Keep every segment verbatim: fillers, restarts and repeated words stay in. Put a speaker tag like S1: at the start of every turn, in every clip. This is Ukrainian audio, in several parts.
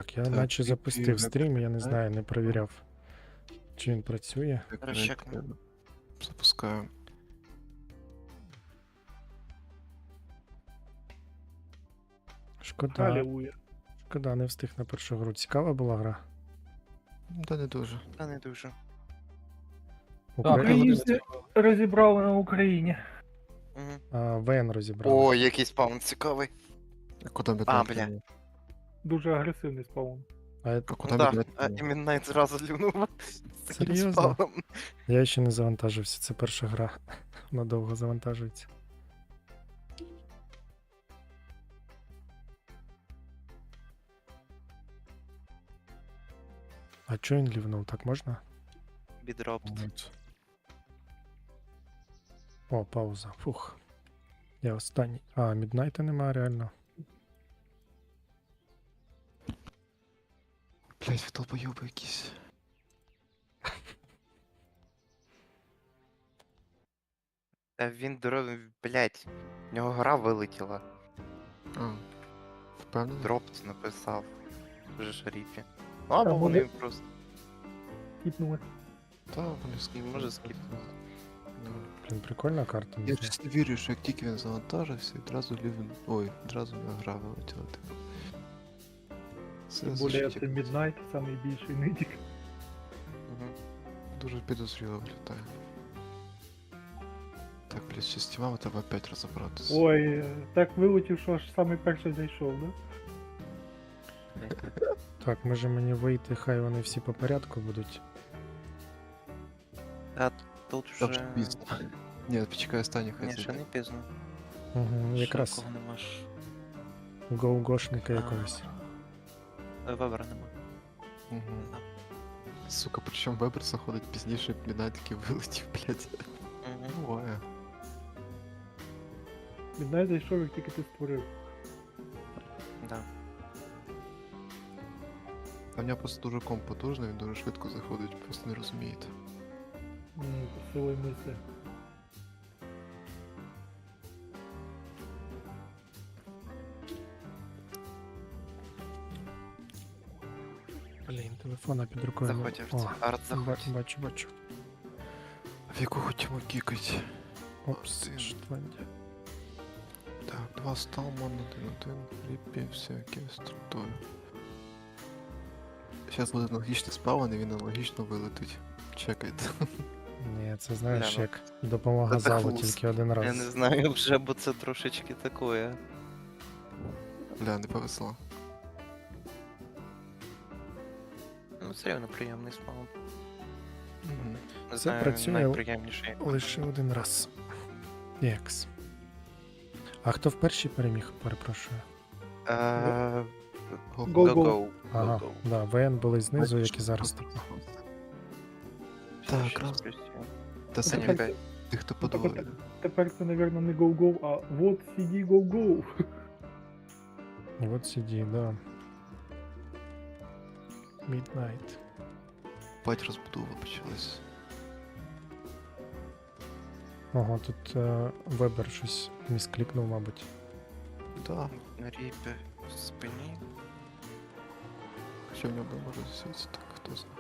S1: Так, я
S2: Так,
S1: наче
S2: і-
S1: запустив
S2: і
S1: стрім, я не
S2: веб-
S1: знаю, не перевіряв, чи він працює.
S2: Так,
S3: Зараз чекну.
S2: Запускаю.
S1: Шкода,
S4: Алілуя.
S1: шкода, не встиг на першу гру. Цікава була гра.
S2: Та не дуже.
S3: Та не дуже.
S1: Укра-
S4: Українці розібрали на Україні.
S3: Угу.
S1: А, ВН розібрали.
S3: О, який спаун цікавий.
S2: А куди ми
S3: А, бля.
S4: Дуже агресивний спаун.
S1: А я,
S2: А куди
S3: Да,
S2: ми
S3: а іменно Найт зразу лівнув. з таким
S1: Серйозно?
S3: спауном.
S1: я ще не завантажився, це перша гра. Вона довго завантажується. А чого він лівнув? Так можна?
S3: Бідропт.
S1: О, пауза. Фух. Я останній. А, Міднайта нема реально.
S2: Блять, ви долбойоби якісь.
S3: Та він дорогий, блять. В нього гра вилетіла.
S2: А, впевнений?
S3: Дропт написав. Вже шаріпі. Ну або
S4: Та,
S3: вони
S4: може-
S3: просто.
S4: Кіпнули.
S2: Та, вони скіпнули.
S3: Може, скіпнули.
S2: Ну,
S1: Блін, прикольна карта.
S2: Я
S1: мені
S2: чесно вірю, що як тільки він завантажився, відразу лівен. Ой, відразу на гра вилетіла, типу. Це
S4: Тим більше
S2: звучить
S4: це
S2: як
S4: Midnight, найбільший нидік.
S3: Угу.
S2: дуже підозріло виглядає. Так, блядь, ще з тімами треба опять розібратися.
S4: Ой, е, так вилетів, що аж самий перший зайшов, да?
S1: Так, може мені вийти, хай вони всі по порядку будуть.
S3: А тут
S2: Та вже
S3: вже.
S2: пізно. Ні, почекай останній хай
S3: Ні, ще
S2: зайде.
S3: не пізно.
S1: Угу,
S3: Ще
S1: якраз
S3: кого нема ж.
S1: гоу-гошника
S3: А.
S1: якогось.
S3: Е, Вебера нема.
S2: Угу. Сука, причому Вебер заходить пізніше, блін, таки вилетів, блядь.
S3: Угу.
S2: Буває.
S4: Midnight зайшов, як тільки ти створив.
S3: Да.
S2: А в нього просто дуже комп потужний, він дуже швидко заходить, просто не розумієте.
S4: Ні, силою мислі.
S1: Блін, телефона під рукою. не-
S3: Заходь,
S1: О,
S3: Арт. Арт,
S1: ба-
S3: заходь.
S1: бачу, бачу.
S2: В яку хотімо кікать?
S1: Опс,
S2: Один.
S1: Шотландія.
S2: Так, два Сталман, один один, Ріпі, всякі структури. Зараз буде аналогічний спавн, і він аналогічно вилетить. Чекайте.
S1: Ні, це знаєш,
S3: Бля, ну.
S1: як допомога
S3: Це
S1: залу
S3: хвост.
S1: тільки один
S3: Я
S1: раз.
S3: не знаю вже, бо це трошечки такое.
S2: Бля, не повезло.
S3: Ну, все рівно приємний спаун.
S2: Угу.
S3: Не
S1: Це
S3: знаю,
S1: працює
S3: найприємніший.
S1: Лише один раз. Єкс. А хто в першій переміг, перепрошую?
S3: Е,
S4: Go-go.
S3: Go-go.
S1: Ага,
S3: Go-go.
S1: да, ВН були знизу, як і зараз. типу.
S2: Так,
S3: Щас
S2: раз.
S3: плюсую.
S2: Та
S4: Ну,
S2: самі
S4: тепер-
S2: тих, хто
S4: Ну, так
S2: подвоїли.
S4: Тепер це, мабуть, не go-go, а вот сиді go-go.
S1: Вот сиді, да. Midnight.
S2: Бать розбудова почалась.
S1: Ого, тут е, Вебер щось місклікнув, мабуть.
S2: Да,
S3: На ріпі в спині.
S2: що в нього може засвітися, так хто знає.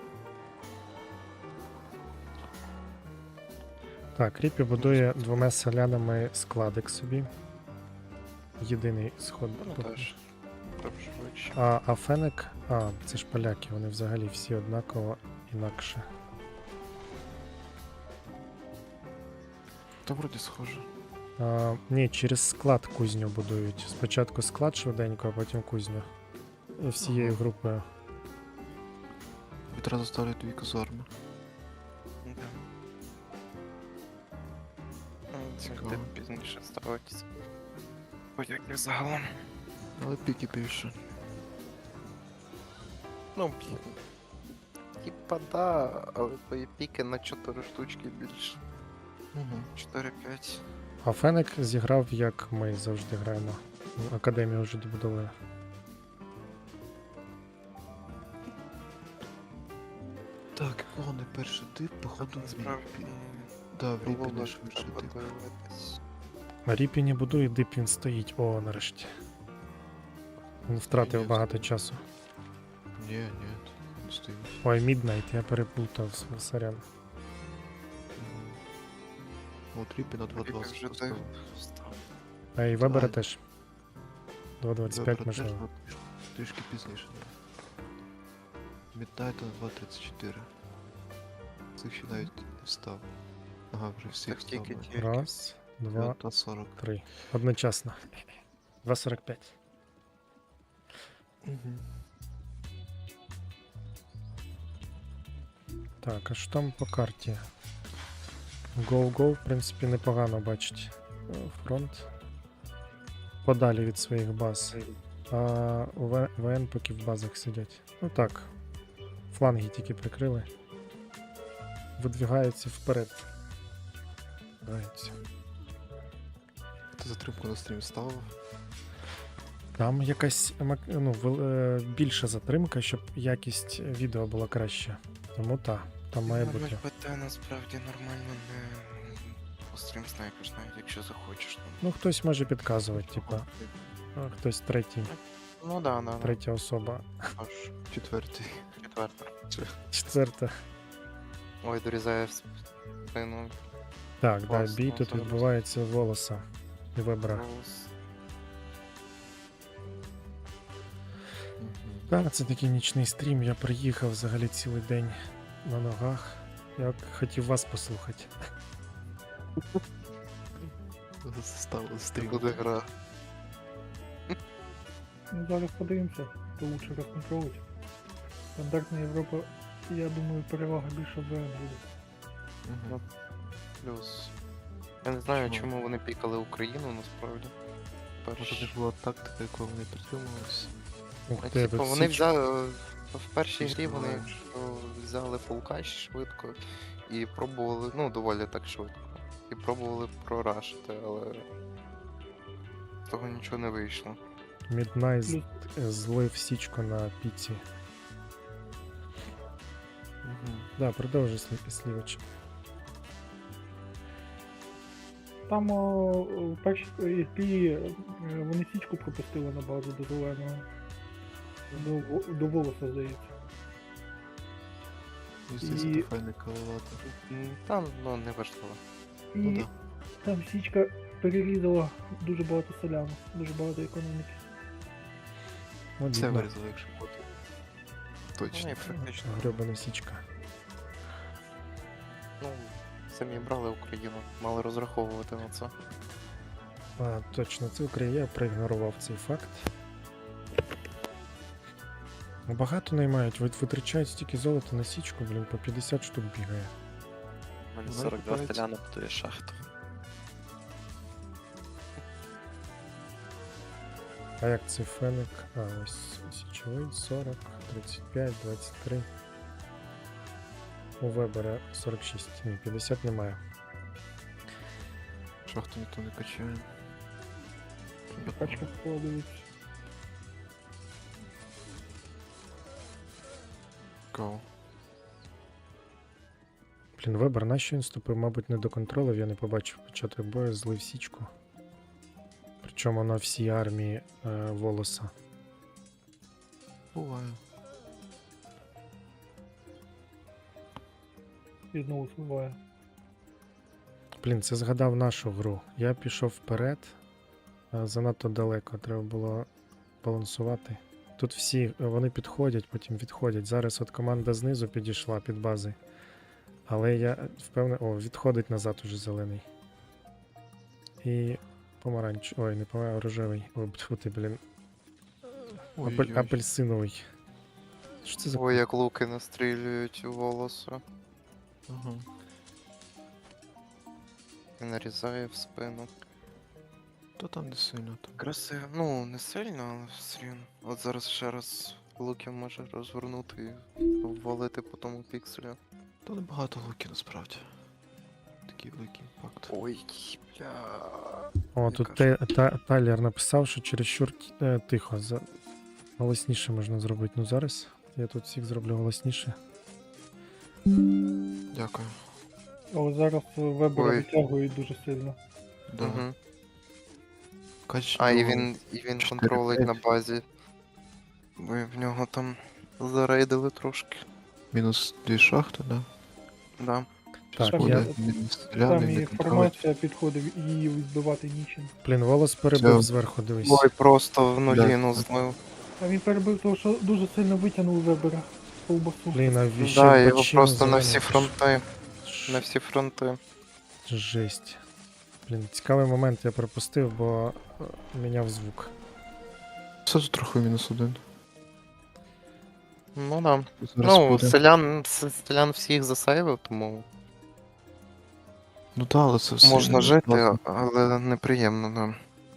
S1: Так, Ріпі будує двома селянами складик собі. Єдиний сход.
S3: Ну,
S1: поки.
S3: теж. Швидше.
S1: А, а Фенек, а, це ж поляки, вони взагалі всі однаково інакше.
S2: Та вроді схоже.
S1: А, ні, через склад кузню будують. Спочатку склад швиденько, а потім кузню. І всією
S2: Ага.
S1: групою.
S2: Відразу ставлять дві казарми.
S3: Да. Ну, це
S2: Цікаво.
S3: де пізніше ставитися. Подяки загалом.
S2: Але піки більше.
S3: Ну, блін. Типа да, але твої піки на чотири штучки більше.
S2: Угу.
S3: чотири-п'ять.
S1: А Фенек зіграв, як ми завжди граємо. Академію вже добудовує.
S2: Так, кого не перший тип, походу в
S3: Насправді.
S2: Ріпі. Да, в Ріпі
S3: Було
S2: не
S3: б
S2: швидший
S3: треба
S2: тип.
S3: дивитись.
S1: А Ріпі не будує, дип він стоїть. О, нарешті. Він втратив
S2: Ні,
S1: багато часу.
S2: Ні, ні, не стоїть.
S1: Ой, Midnight, я переплутав, с- сорян.
S2: Мгм. От Ріпі на два
S3: Ріпі
S2: двадцять
S3: вже
S2: поставив.
S3: ти встав.
S1: А і Вебера
S2: Ай.
S1: теж. два двадцять п'ять
S2: Вибрати
S1: можливо.
S2: теж, ну, трішки пізніше. Міднайт на два тридцять чотири. Цих ще навіть не став. Ага, вже всіх
S3: Так
S2: став.
S3: тільки
S2: майже.
S3: тільки.
S1: Раз, два,
S2: Та сорок.
S1: три. Одночасно. два сорок п'ять.
S2: Угу.
S1: Так, а що там по карті? Go-Go, в принципі, непогано бачить е, фронт. Подалі від своїх баз. А у В- ВН поки в базах сидять. Ну так. Фланги тільки прикрили. Видвигаються вперед. Видвигаються.
S2: Хто затримку на стрім ставив?
S1: Там якась мак- ну, вел- е, більша затримка, щоб якість відео була краща. Тому так, там має бути.
S3: ПТ насправді нормально не пострім снайпиш, навіть якщо захочеш. там.
S1: Ну, хтось може підказувати, типа, а хтось третій,
S3: Ну да, да, да.
S1: третя особа.
S3: Аж
S2: Четвертий.
S3: четверта.
S1: Четверта.
S3: Ой, дорізає в спину.
S1: Так, да,
S3: Класно,
S1: бій тут
S3: зараз.
S1: відбувається волоса і вебра.
S3: Голос.
S2: Угу.
S1: Так, це такий нічний стрім. Я приїхав взагалі цілий день на ногах. Я хотів вас послухати.
S2: Ставили
S3: Це
S2: стрім.
S3: буде гра.
S4: Ну, зараз подивимося, хто лучше розконтролить. Стандартна Європа, я думаю, перевага більше в ВН буде.
S2: Угу.
S3: Плюс. Я не знаю,
S2: Чому?
S3: чому вони пікали Україну насправді.
S2: Може
S3: Перш...
S2: не була тактика, якою вони притримувалися.
S1: Ух
S3: А,
S1: ти,
S3: типу,
S1: тут
S3: вони
S1: Січ-
S3: взяли в першій
S2: Щось
S3: грі вони
S2: буває.
S3: якщо взяли фулкач швидко і пробували, ну доволі так швидко. І пробували прорашити, але з того нічого не вийшло.
S1: Midnight
S4: Плюс
S1: злив січку на піці.
S2: Угу.
S1: Да, продовжуй слів- слівич.
S4: там о, в першій епі е, вони січку пропустили на базу до зеленого. До, во- до волоса, здається.
S2: І здається,
S4: І-
S2: то файне калувати.
S3: М, Там, ну, не важливо.
S4: І
S2: Ну да.
S4: там січка перерізала дуже багато соляну, дуже багато економіки.
S2: Це
S1: Обідно.
S2: вирізали, якщо бути.
S3: Ну,
S2: Точно.
S3: і практично.
S1: Гребана січка.
S3: Ну, самі брали Україну, мали розраховувати на це.
S1: А, точно, це Україна. Я проігнорував цей факт. Ну, багато наймають, вит- витрачають стільки золота на січку, блін, по п'ятдесят штук бігає.
S5: У мене
S2: Вона
S5: сорок два
S2: купається.
S5: селяни будує шахту.
S1: А як це феник? А, ось січовий сорок, тридцять п'ять, двадцять три. У Вебера сорок шість. Ні, п'ятдесят немає.
S2: Шахту ніхто не качає.
S4: Качка складується.
S2: Go.
S1: Блін, Вебер, нащо він вступив? Мабуть, не до контролю, я не побачив початок бою, злив січку. Причому на всій армії е, волоса.
S2: Буває.
S4: І знову спливає.
S1: Блін, це згадав нашу гру. Я пішов вперед, а занадто далеко, треба було балансувати. Тут всі е, вони підходять, потім відходять. Зараз от команда знизу підійшла під бази. Але я впевнений. О, відходить назад уже зелений. І помаранч. Ой, не помаранч, а рожевий. Ой, тьфу ти, блін. Апель...
S2: Ой-ой-ой.
S1: Апельсиновий. Що це за
S3: Ой, як луки настрілюють у волосу
S2: Ага.
S3: і нарізає в спину.
S2: То там не сильно там.
S3: Красиво. Ну, не сильно, але все рівно. От зараз ще раз луків може розвернути і ввалити по тому пікселю.
S2: То небагато луків насправді. Такий великий імпакт.
S3: Ой, бля.
S1: О,
S3: Я
S1: тут
S3: кажу.
S1: Те- Та- Тайлер написав, що чересчур е, тихо. За... Голосніше можна зробити. Ну зараз я тут всіх зроблю голосніше.
S2: Дякую.
S4: Але зараз Вебера
S3: Ой.
S4: витягують дуже сильно.
S2: Да.
S3: Угу.
S2: Кач...
S3: А, і
S2: ну,
S3: він, і він
S2: чотири
S3: контролить
S2: п'ять.
S3: на базі. Бо в нього там зарейдили трошки.
S2: Мінус дві шахти, да?
S3: Да.
S2: Щас
S1: Так,
S2: буде
S1: я-
S2: мінус
S4: Там
S2: стріляни,
S4: і
S2: не контролюють.
S4: інформація підходив, і її відбивати нічим.
S1: Блін, волос перебив
S2: Всё.
S1: зверху, дивись.
S3: Ой, просто в нулі,
S2: Да.
S3: ну злив.
S4: А він перебив того, що дуже сильно витягнув вебера ковбасу.
S1: Блін, а віщі
S3: Да, його
S1: бачину
S3: просто на
S1: зелену,
S3: всі
S1: це ж-
S3: фронти.
S1: Ш-
S3: На всі фронти.
S1: Жесть. Блін, цікавий момент я пропустив, бо е, міняв звук.
S2: Все тут трохи мінус один.
S3: Ну да.
S2: Зараз
S3: Ну,
S2: буде.
S3: селян, с- селян всіх засейвив, тому
S2: Ну так, але це все.
S3: можна
S2: не
S3: жити,
S2: класно.
S3: але неприємно, да.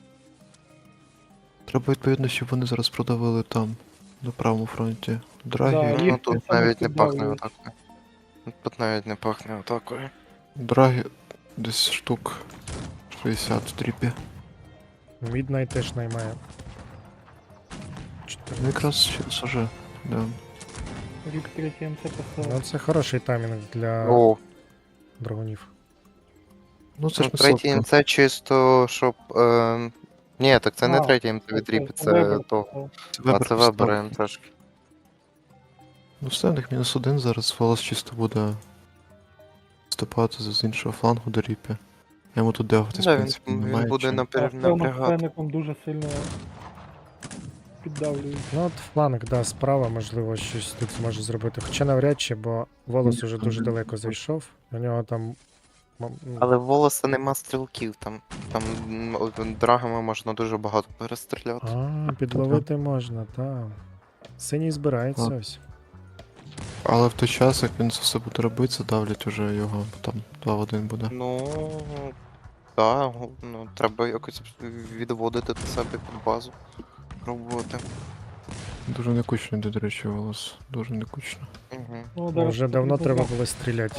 S2: Треба відповідно, щоб вони зараз продавили там, на правому фронті. Драгі,
S4: Да,
S3: Ну
S4: їх
S3: тут
S4: це саме
S3: навіть не пахне
S4: піддавлюють.
S3: атакою. Тут навіть не пахне атакою.
S2: драгі десь штук шістдесят в тріпі.
S1: Міднайт теж наймає.
S2: Ну
S1: чотирнадцять.
S2: якраз через уже. Да.
S4: Рік третій МЦ
S1: Ну
S4: поставив.
S1: це хороший таймінг для
S3: О,
S1: драгунів.
S2: Ну це
S3: ну,
S2: ж не
S3: третій
S2: сотка.
S3: МЦ чисто, щоб. Е... Ні, так це не
S4: А,
S3: третій МЦ від Ріпі, це
S4: Вебер
S3: то.
S4: поставив.
S3: А
S2: Вебер
S3: це
S2: поставив.
S3: вибере трошки.
S2: Ну все, в них мінус один, зараз волос чисто буде вступати з іншого флангу до ріпі. Я йому тут дегатись, в
S3: Да, він,
S2: принципі, немає
S3: він буде
S2: чим.
S3: напря...
S4: А цьому
S3: напрягати.
S4: феником дуже сильно піддавлюють.
S1: Ну от фланг, да, справа, можливо, щось тут зможе зробити. Хоча навряд чи, бо волос уже дуже далеко зайшов. У нього там. м, м,
S3: Але в волоса нема стрілків, там, там м, от драгами можна дуже багато перестріляти.
S1: А, підловити можна, так. Синій збирається
S2: Ладно.
S1: ось.
S2: Але в той час, як він це все буде робити, задавлять уже його, бо там два в один буде.
S3: Ну, так, ну, треба якось відводити до себе під базу. Пробувати.
S2: Дуже некучно йде, до речі, волос. Дуже некучно.
S3: Угу.
S4: Ну,
S1: Ну,
S4: зараз
S1: вже давно
S4: потрібно
S1: треба було стріляти.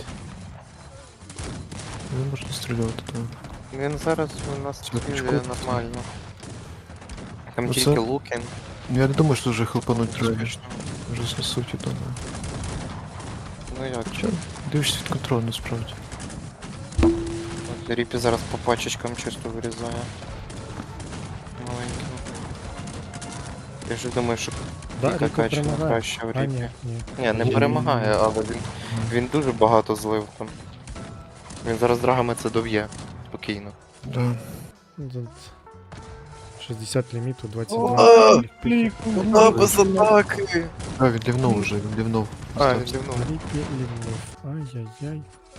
S2: Не можна стріляти, так.
S3: Він зараз у нас
S2: Це
S3: стріляє
S2: пучком.
S3: нормально. Там
S2: Ну,
S3: тільки
S2: це-
S3: луки.
S2: Ну, я не думаю, що вже хлопануть трохи.
S3: Успішно.
S2: Вже знесуть, я думаю.
S3: Ну як?
S2: Що? Дивишся від контролю, насправді.
S3: От Ріпі зараз по пачечкам чисто вирізає. Маленьким. Я ж думаю, що
S1: Да,
S3: Віка
S1: Ріко
S3: качана
S1: перемагає.
S3: краще в
S1: А,
S3: Ріпі.
S1: ні, ні.
S3: Ні, не
S2: Ні.
S3: перемагає, але він, він дуже багато злив там. Він зараз драгами це доб'є. Спокійно.
S2: Да.
S1: Тут шістдесят ліміту, двадцять
S4: О,
S1: два.
S4: Клік,
S3: А, без атаки!
S2: А, він лівнув уже, він лівнув.
S3: А, він лівнув.
S1: Рікі лівнув. Ай-яй-яй.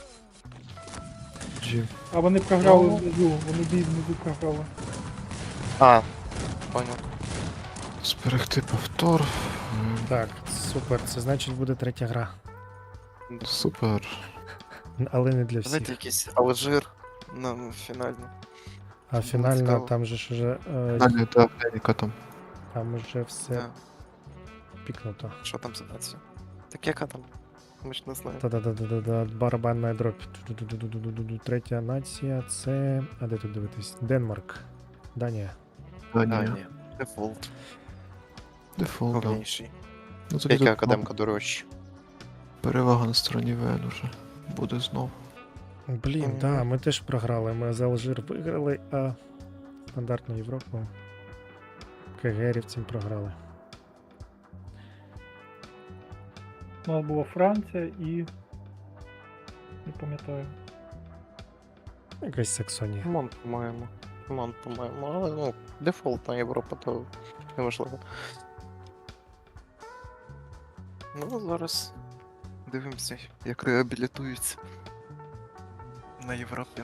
S2: Джі.
S4: А вони програли
S3: Ну.
S4: внизу, вони бій внизу програли.
S3: А, понял.
S2: Зберегти повтор. М,
S1: Так, супер, це значить буде третя гра.
S2: Супер.
S1: Але не для
S3: Знаєте,
S1: всіх.
S3: якийсь Алжир на фінальні.
S1: А фінальна
S3: цікаво.
S1: там же ж уже, е,
S2: Далі, так, Деніка там.
S1: там уже все
S3: Да.
S1: пікнуто.
S3: Що там за нація? Так яка там? Ми ж не знаємо.
S1: Та-да-да-да-да, барабанна дробь. Ду-ду-ду-ду-ду-ду. Третя нація це. А де тут дивитись? Денмарк. Данія.
S3: А,
S2: Данія.
S3: ні. Дефолт.
S2: Дефолт, да.
S3: Головніший.
S2: Ну, тоді
S3: Яка
S2: тут
S3: академка дорожча.
S2: перевага на стороні ВН уже. Буде знов.
S1: Блін,
S3: Мгм.
S1: да, ми теж програли. Ми за Алжир виграли, а стандартну Європу КГРівцям програли.
S4: У нас була Франція і. Не пам'ятаю.
S1: Якась Саксонія.
S3: Мон, по-моєму. Мон, по-моєму. Але ну, дефолтна Європа, то неважливо. Ну, зараз дивимося, як реабілітуються на Європі.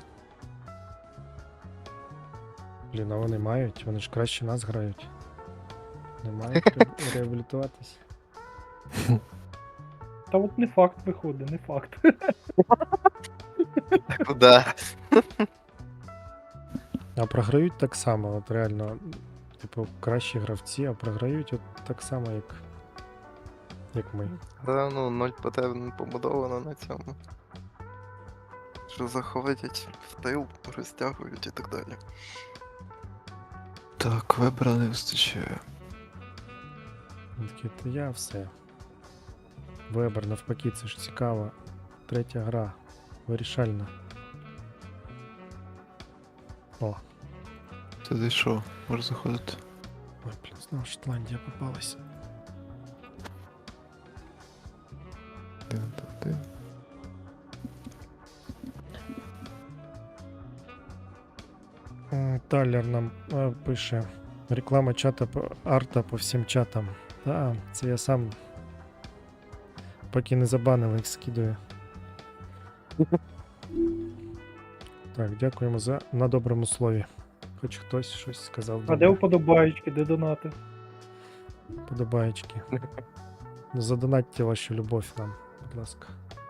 S1: Блін, а вони мають, вони ж краще нас грають. Не мають ре- реабілітуватись.
S4: Та от не факт виходить, не факт.
S3: Куда?
S1: А програють так само, от реально, типу, кращі гравці, а програють от так само, як, як ми.
S3: Да, ну, ноль ПТ побудовано на цьому. Що заходять в тил, розтягують і так далі.
S2: Так, вибора не вистачає.
S1: Він такий, то я все. Вебер, навпаки, це ж цікаво. Третя гра. Вирішальна. О,
S2: Ти зайшов, можеш заходити.
S1: ой, блін, знову Шотландія попалась. Талер нам е, пише. Реклама чата по арта по всім чатам. Та, це я сам. Поки не забанили, їх скидаю. Так, дякуємо за на доброму слові. Хоч хтось щось сказав.
S4: А де
S1: добре.
S4: вподобаєчки, де донати?
S1: Подобаєчки. Задонатьте вашу любов нам, будь ласка.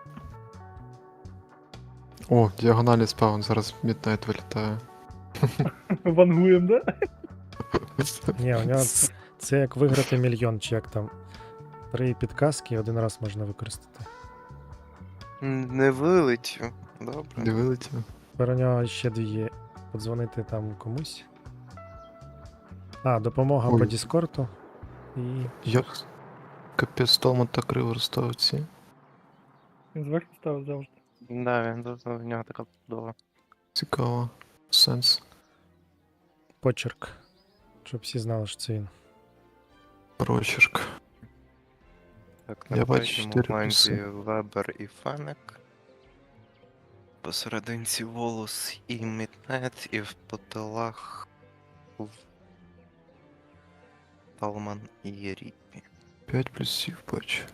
S2: О, діагоналі спаун, зараз Міднайт вилітає.
S4: Вангуєм, да?
S1: Ні, у нього це, це як виграти мільйон, чи як там. Три підказки один раз можна використати.
S3: М, Не вилетів. Добре.
S2: Не вилетів.
S1: Тепер у нього ще дві є. Подзвонити там комусь. А, допомога
S2: Ой.
S1: по Діскорду. І.
S2: Я... Капець, Толман так криво розставив ці.
S4: Він зверху ставив завжди.
S3: Да, він тут в нього така будова.
S2: Цікаво. Сенс.
S1: Почерк. Щоб всі знали, що це він.
S2: Прочерк.
S3: Так,
S2: Я
S3: на
S2: бачу
S3: третьому
S2: чотири
S3: фланзі
S2: плюси.
S3: Вебер і Фенек. Посерединці Волос і Міднайт, і в потилах в- Талман і Ріпі.
S2: п'ять плюсів бачу.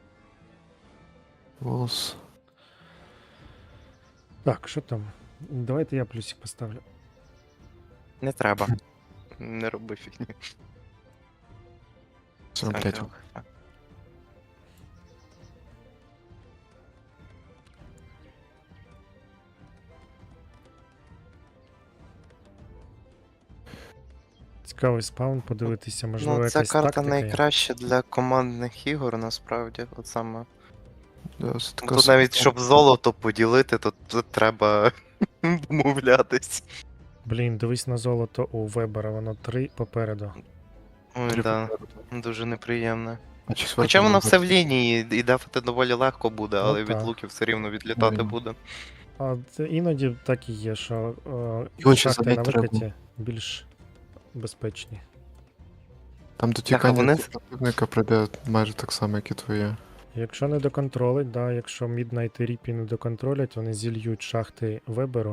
S2: Волос.
S1: Так, що там? Давайте я плюсик поставлю.
S3: Не треба. Не роби фігню.
S2: Це, блядь,
S3: Так, так.
S1: Цікавий спаун, подивитися, можливо,
S3: Ну, ця
S1: якась
S3: карта
S1: тактика є.
S3: найкраща для командних ігор, насправді. От саме.
S2: да, це така
S3: Тут
S2: собі-
S3: навіть щоб золото поділити, то тут треба домовлятись.
S1: Блін, дивись на золото у Вебера, воно три попереду.
S3: Ой,
S2: Три
S3: да,
S2: попереду.
S3: дуже неприємно.
S2: А чи
S3: Хоча
S2: зверху
S3: воно
S2: можна-
S3: все в лінії, і дефати доволі легко буде,
S1: Ну
S3: але від
S1: так.
S3: луків все рівно відлітати
S2: Ой.
S3: буде.
S1: А це іноді так і є, що
S2: Його
S1: е,
S2: ще
S1: шахти на
S2: забити треба.
S1: викаті більш безпечні.
S2: Там
S3: а
S2: дотікання
S3: вони-
S2: противника прийде майже так само, як і твоє.
S1: Якщо не доконтролить, да, якщо Midnight і Ріпі не доконтролять, вони зільють шахти Веберу.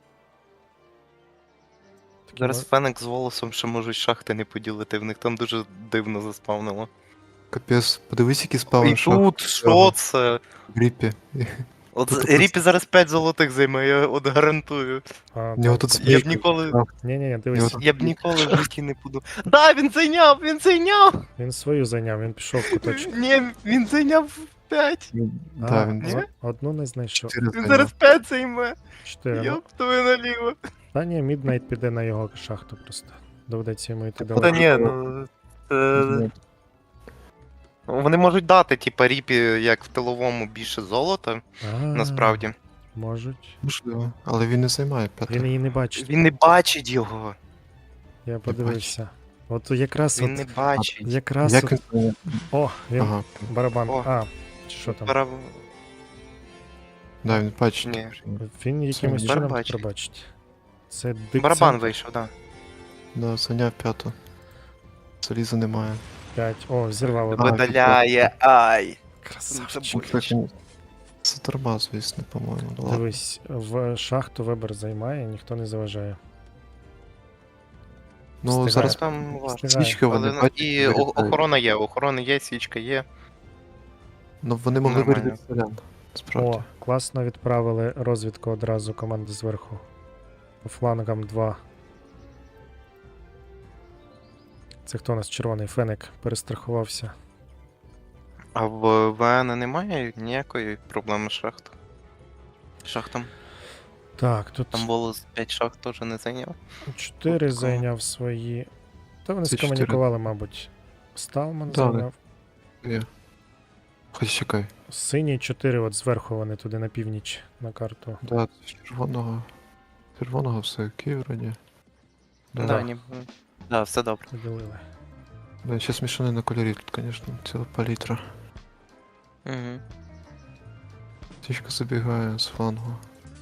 S1: Такі
S3: Зараз
S1: мо-
S3: Фенек з волосом ще можуть шахти не поділити, в них там дуже дивно заспавнило.
S2: Капець, подивись, які спали
S3: І тут що це?
S2: в гріпі.
S3: От
S2: Тут
S3: Ріпі зараз п'ять золотих займе, я от гарантую.
S1: А,
S2: У нього
S1: так.
S2: тут
S3: Я б
S2: спейки.
S3: ніколи.
S1: Ні, ні, ні,
S2: Його
S1: дивись,
S2: тут-
S3: Я б ніколи в житті не буду. Да, він зайняв! Він зайняв!
S1: він свою зайняв, він пішов в куточок.
S3: Ні, він зайняв п'ять.
S2: Да,
S1: А,
S2: він
S3: ні?
S1: о- одну не знайшов.
S2: чотири
S3: Він
S2: зайняв.
S3: зараз п'ять займе.
S1: Чотири. Ну,
S3: Йоп, твою наліво.
S1: та ні, Midnight піде на його шахту просто. Доведеться йому йти
S3: Та
S1: далеко.
S3: ні, ну. Це... Вони можуть дати, типа, Ріпі, як в тиловому, більше золота,
S1: А,
S3: насправді.
S1: Можуть.
S2: Можливо, але він не займає
S1: Він
S2: п'яте.
S1: її не бачить.
S3: Він не бачить його.
S1: Я подивився. От якраз
S3: Він
S1: от,
S3: не бачить.
S1: якраз
S2: Як
S1: от,
S2: він займає?
S1: о, він
S2: Ага,
S1: барабан.
S3: О.
S1: А, чи що там?
S3: Пора-
S2: да, він бачить.
S3: Ні.
S1: Він якимось
S2: Це
S1: чином
S3: бачить.
S1: пробачить. Це дикцент
S3: Барабан вийшов, так.
S2: Да, зайняв п'яту. Заліза немає.
S1: п'ять. О, зірвав
S2: А,
S1: одну.
S3: Видаляє, ай!
S1: Красавчик.
S3: Це
S2: Так, він- Це торма, звісно, по-моєму. Ну, ладно.
S1: Дивись, в шахту Вебер займає, ніхто не заважає.
S2: Ну,
S1: встигає.
S2: зараз
S3: Там важко.
S1: Встигає.
S2: свічки вони
S3: Але, ну,
S2: бачать.
S3: і о-
S2: вилітають.
S3: охорона є, охорона є, свічка є.
S2: Ну, вони могли
S3: Нормально.
S2: вирізати селян. Справді.
S1: О, класно відправили розвідку одразу команди зверху. По флангам два. Це хто у нас червоний Фенек перестрахувався.
S3: А в ВН немає ніякої проблеми з шахт. Шахтом.
S1: Так, тут
S3: Там волос п'ять шахт теж не зайняв.
S1: чотири
S3: такого.
S1: зайняв свої. Та вони
S2: Це чотири.
S1: скомунікували, мабуть. Сталман
S2: Да,
S1: зайняв.
S2: Є. Хоч чекай.
S1: Сині чотири, от зверху вони туди на північ на карту.
S2: Да, з червоного. Червоного все окей, вроді. Да,
S3: Да,
S2: да.
S3: ні. Да, все добре.
S1: Поділили.
S2: Да, ще смішане на кольорі тут, звісно, ціла палітра.
S3: Угу.
S2: Тічка забігає з флангу.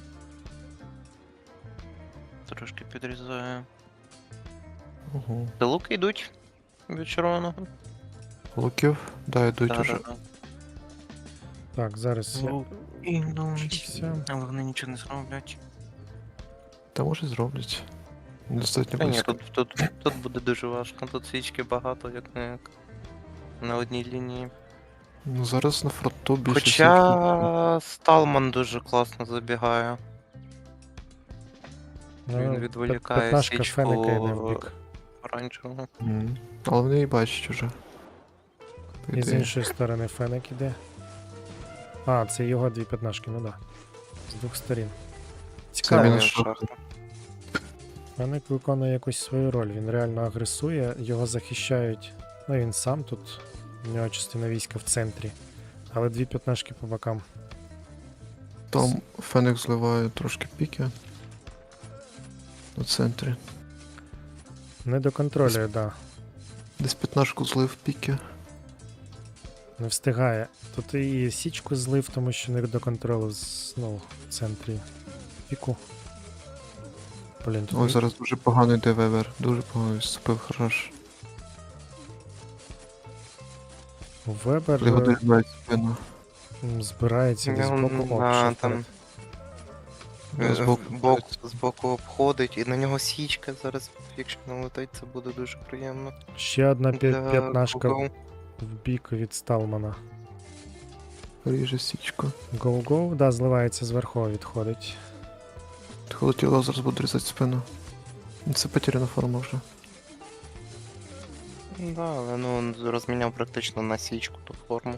S3: Трошки підрізаю.
S2: Ого.
S3: Де луки йдуть від червоного.
S2: Луків? Да, йдуть
S3: Да,
S2: уже.
S3: да, да.
S1: Так, зараз я.
S3: Ну, Ідуть.
S1: Все.
S3: Але вони нічого не зроблять.
S2: Та може зроблять. Достатньо
S3: Та ні,
S2: близько.
S3: тут, тут, тут буде дуже важко. Тут свічки багато, як не як на одній лінії.
S2: Ну зараз на фронту більше свічки.
S3: Хоча Сталман дуже класно забігає. Він
S1: Ну,
S3: відволікає
S1: п'ятнашка
S3: свічку
S1: Фенека йде в бік.
S3: оранжевого.
S2: Мгм. Але вони і бачать уже. По
S1: І з
S2: ідеї.
S1: іншої сторони Фенек іде. А, це його дві п'ятнашки, ну да. З двох сторін.
S2: Це
S1: Цікаво.
S2: мінус
S3: Він
S2: шахта.
S3: шахта.
S1: Фенек виконує якусь свою роль. Він реально агресує, його захищають. Ну він сам тут. У нього частина війська в центрі. Але дві п'ятнашки по бокам.
S2: Там Фенек зливає трошки піки. На центрі.
S1: Не доконтролює, да.
S2: Десь п'ятнашку злив піки.
S1: Не встигає. Тут і січку злив, тому що не до контролю знову в центрі піку. Блін, тут
S2: Ой, зараз дуже погано йде Вебер. Дуже погано відступив, хорош.
S1: Вебер
S2: Його
S1: е,
S2: дорібають спину.
S1: м, збирається десь
S3: Він,
S1: збоку. О,
S3: да,
S1: пішов
S3: там
S1: вперед.
S2: Да, збоку
S3: Е, бок, збоку обходить, і на нього січка зараз, якщо налетить, це буде дуже приємно.
S1: Ще одна п'я-
S3: Для
S1: п'ятнашка
S3: Google.
S1: в бік від Сталмана.
S2: Ріже січку.
S1: Гоу-гоу, да, зливається зверху, відходить.
S2: Холотіло зараз буде різати спину. Це потеряна форма вже.
S3: Да, але ну він розміняв практично на січку ту форму.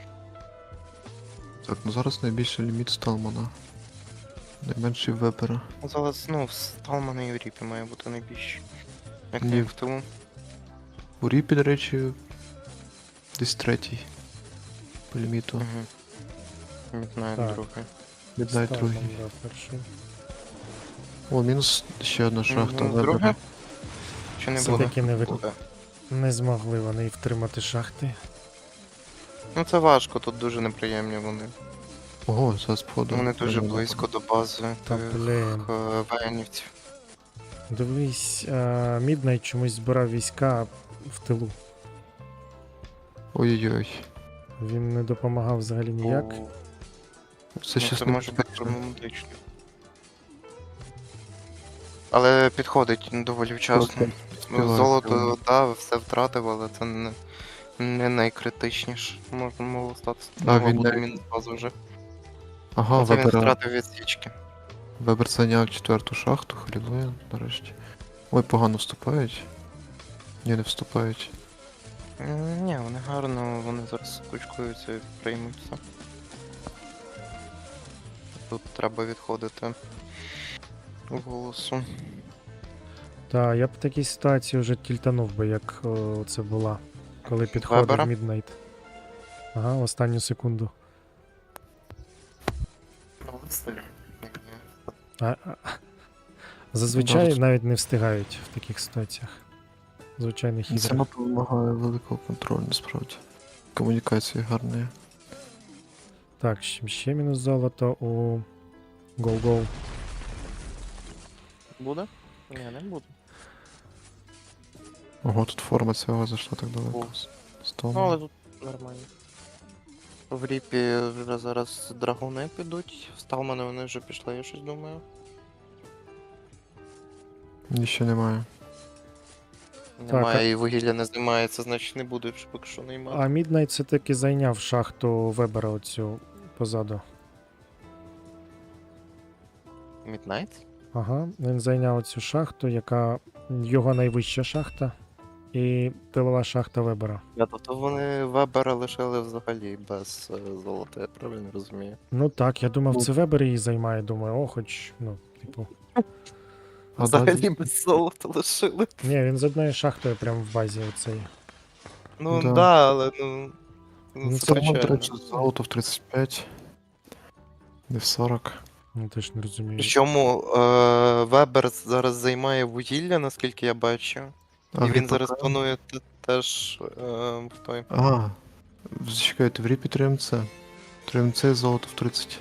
S2: Так, ну зараз найбільший ліміт Сталмана. Найменший Вебера.
S3: Зараз, ну, в Сталмана і в Ріпі має бути найбільший. Як
S2: Ні.
S3: не в тому.
S2: У Ріпі, до речі, десь третій. По ліміту.
S3: Угу. Міднайт
S1: Так.
S3: другий.
S2: Midnight
S1: Сталман,
S2: другий.
S1: да, перший.
S2: О, мінус ще одна шахта
S3: Ну,
S2: Вебера.
S3: друге? Чи не
S1: Це
S3: буде?
S1: таки не, ви...
S3: Буде.
S1: не змогли вони і втримати шахти.
S3: Ну це важко, тут дуже неприємні вони.
S2: Ого, зараз походу.
S3: Вони дуже
S2: Вебера.
S3: близько до бази
S1: Та
S3: тих
S1: блін.
S3: е, воєнівців.
S1: Дивись, а, Міднайт чомусь збирав війська в тилу.
S2: Ой-ой-ой.
S1: Він не допомагав взагалі ніяк.
S3: Бо-
S2: Це
S3: ну,
S2: щас
S3: це
S2: не
S3: може бути
S2: безпечно.
S3: проблематично. Але підходить доволі вчасно. Ну,
S2: Співаю,
S3: золото,
S2: співаю.
S3: да, все втратив, але це не, не найкритичніше. Можна могло статися.
S2: Да,
S3: Могла
S2: він
S3: бути
S2: навіть-
S3: мінус базу вже.
S2: Ага,
S3: Це він
S2: Вебера.
S3: втратив від свічки.
S2: Вебер зайняв четверту шахту, халілує, нарешті. Ой, погано вступають. Ні, не вступають.
S3: М, Ні, вони гарно, вони зараз кучкуються і приймуться. Тут треба відходити в голосу.
S1: Та я б в такій ситуації вже тільтанув би, як о, це була, коли
S3: Вебера?
S1: підходив Міднайт. Ага, останню секунду. А, а, зазвичай
S2: Добре.
S1: навіть не встигають в таких ситуаціях. В звичайних
S2: Це
S1: іграх.
S2: мапа вимагає великого контролю, насправді. Комунікації гарної.
S1: Так, ще, ще мінус золото у Go-Go.
S3: Буде? Ні, не буде.
S2: Ого, тут форма цього зайшла так далеко.
S3: О.
S2: Стол.
S3: Ну, але тут нормально. В Ріпі вже зараз драгуни підуть. В Сталмани вони вже пішли, я щось думаю.
S2: Ніщо немає.
S3: Немає і вугілля не знімається, значить не буде вже поки що наймати.
S1: А Міднайт все-таки зайняв шахту Вебера оцю позаду.
S3: Міднайт?
S1: Ага, він зайняв цю шахту, яка його найвища шахта. І тилова шахта Вебера.
S3: Я, тобто вони Вебера лишили взагалі без е, золота, я правильно розумію.
S1: Ну так, я думав,
S2: Ну.
S1: це Вебер її займає. Думаю, о, хоч, ну, типу.
S2: А
S3: Взагалі
S2: далі?
S3: без золота лишили.
S1: Ні, він з одною шахтою прямо в базі оцей.
S3: Ну
S2: Да.
S3: да, але ну.
S1: Ну,
S3: Ну,
S1: це
S3: це
S2: Сталман, до
S3: печально.
S2: речі, золото в тридцять п'ять. Не в сорок.
S1: Ну теж не розумію.
S3: Причому е, Вебер зараз займає вугілля, наскільки я бачу.
S2: А
S3: І
S2: в
S3: він
S2: Ріпі
S3: зараз
S2: окремо?
S3: планує те- теж е, в той.
S2: А, зачекайте, в Ріпі три ем це. три ем це золото в тридцять.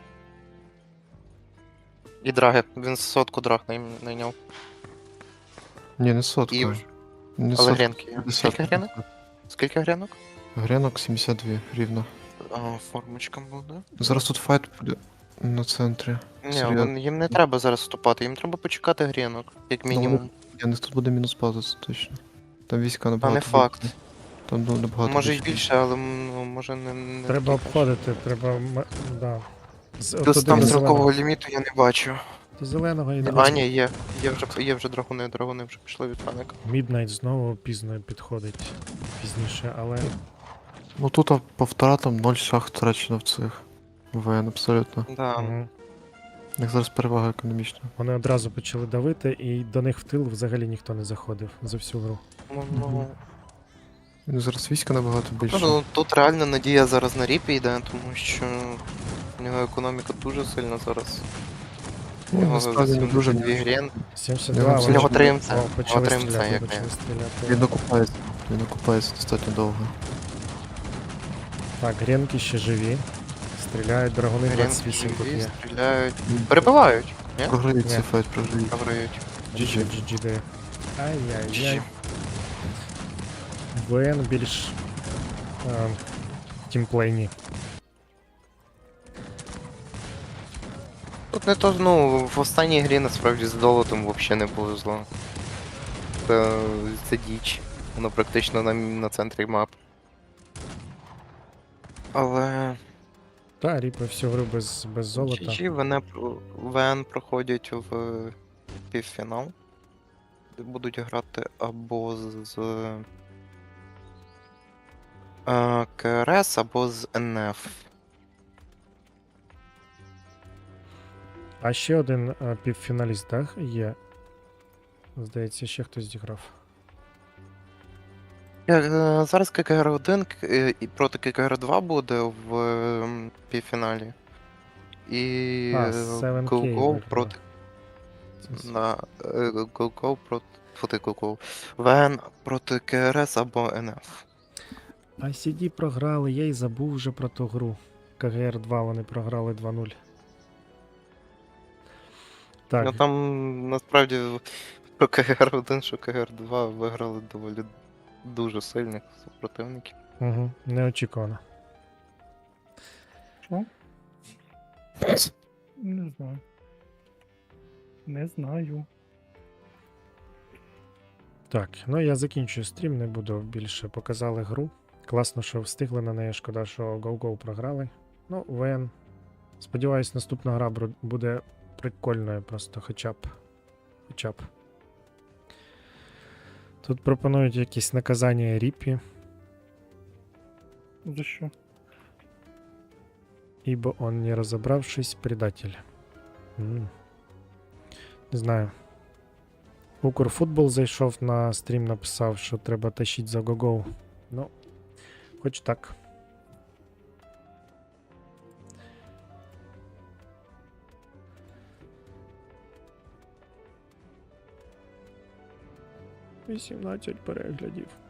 S3: І драги. Він сотку драг най- найняв.
S2: Ні, не сотка.
S3: І...
S2: Не
S3: Але
S2: сотка,
S3: гренки є.
S2: п'ятдесят.
S3: Скільки гренок? Скільки гренок?
S2: Гренок сімдесят два рівно.
S3: А, формочка буде.
S2: Зараз тут файт буде. на центрі.
S3: Ні,
S2: Серйозно.
S3: вон- їм не треба зараз вступати, їм треба почекати грінок, як
S2: Ну, вони-
S3: мінімум.
S2: Я не тут буде мінус база, це точно. Там війська
S3: А
S2: набагато
S3: не факт.
S2: більше. Там ну, набагато
S3: Може й
S2: більше.
S3: більше, але ну, може не. не
S1: Треба
S3: такі,
S1: обходити, треба. м- Да. З,
S3: До
S1: туди
S3: там
S1: до
S3: строкового
S1: зеленого.
S3: ліміту я не бачу.
S1: До зеленого і
S3: А,
S1: дивись.
S3: ні, є. Є вже, є вже драгуни, драгуни вже пішли від Феника.
S1: Міднайт знову пізно підходить пізніше, але
S2: Ну тут а, по втратам ноль шахт втрачено в цих. ВН абсолютно.
S3: Да.
S1: мгм.
S2: У них зараз перевага економічна.
S1: Вони одразу почали давити, і до них в тил взагалі ніхто не заходив за всю гру.
S3: Ну, ну,
S2: У них зараз війська набагато більше.
S3: ну, тут реально надія зараз на ріпі йде, тому що в нього економіка дуже сильна зараз. У
S2: Ну,
S3: нього
S2: насправді не дуже
S3: дві грін.
S1: сімдесят
S2: Я
S1: два,
S2: вам
S1: вони
S3: нього
S1: ж-
S3: тримця.
S1: О, почали
S3: Нього тримця,
S1: стріляти,
S3: як
S1: почали
S3: не.
S1: стріляти.
S2: Він окупається. Він окупається достатньо довго.
S1: Так, гренки ще живі. Стріляють, драгуни
S3: Грінки
S1: двадцять вісім тут
S3: живі,
S1: є.
S3: стріляють. Перебивають. Ні?
S2: Програють
S1: Ні.
S2: цей файт, програють.
S3: Програють.
S1: джі джі, джі джі дає. Ай-яй-яй.
S3: Джі.
S1: ВН більш е, тімплейні.
S3: Тут не то, ну, в останній грі насправді з долотом взагалі не повезло. Це, це діч. Воно практично на, на центрі мап. Але
S1: Та, ріпи всю гру без, без золота.
S3: джі джі ВН, ВН проходять в півфінал. Де будуть грати або з е, КРС, або з ен еф.
S1: А ще один е, півфіналіст, так, є. Здається, ще хтось зіграв.
S3: Е, Зараз ККР один і проти ККР два буде в е, півфіналі. І
S1: А, севен кей
S3: GoGo
S1: виграли.
S3: проти.
S1: Це с-
S3: На е, GoGo проти. Проти GoGo. ВН проти КРС або ен еф.
S1: ай сі ді програли, я й забув вже про ту гру. КГР два вони програли два нуль. Так,
S3: Ну там насправді про КГР один, що КГР два виграли доволі дуже сильних супротивників.
S1: угу, неочікувано.
S4: Що? Не знаю. Не знаю.
S1: Так, ну я закінчую стрім, не буду більше. Показали гру. Класно, що встигли на неї. Шкода, що GoGo програли. Ну, ВН. Сподіваюсь, наступна гра бру- буде прикольною, просто хоча б. Хоча б. Тут пропонують якісь наказання Ріпі,
S4: За що?
S1: ибо он, не разобравшись, предатель. М. Не знаю. Укрфутбол зайшов на стрім, написав, що треба тащить за GoGo. Ну, хоч так. вісімнадцять переглядів.